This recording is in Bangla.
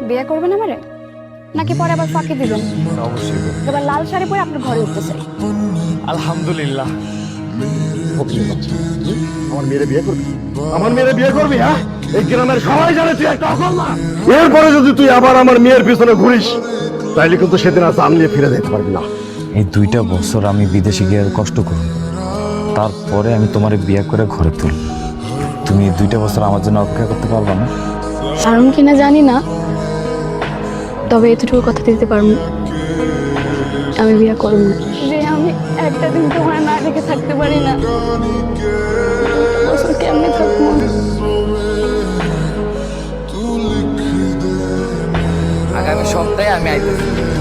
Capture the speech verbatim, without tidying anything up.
বিয়ে করবেন আমারে নাকি পরে আবার ফাঁকি দিবেন? অবশ্যই করব। এবার লাল শাড়ি পরে আপনার ঘরে উঠতে চাই। আলহামদুলিল্লাহ। আমার মেয়েরে বিয়ে করবি? আমার মেয়েরে বিয়ে করবি? হ্যাঁ, এই গ্রামের সবাই জানে তুই একটা অকর্মা। এরপরে যদি তুই আবার আমার মেয়ের পিছনে ঘুরিস তাইলে কিন্তু সেদিন আর জান নিয়ে ফিরে যেতে পারবি না। এই দুইটা বছর আমি বিদেশে গিয়ে কষ্ট করব, তারপরে আমি তোমার বিয়ে করে ঘরে তুলব। তুমি এই দুইটা বছর আমার জন্য অপেক্ষা করতে পারবা না? পারুম কিনা জানি না, তবে এতটুকু কথা দিতে পারবো, আমি বিয়ে করব না। যে আমি একটা দিন তোমার না দেখে থাকতে পারি না, বছর কেমনে থাকবো? আগামী সপ্তাহে আমি আইতেছি।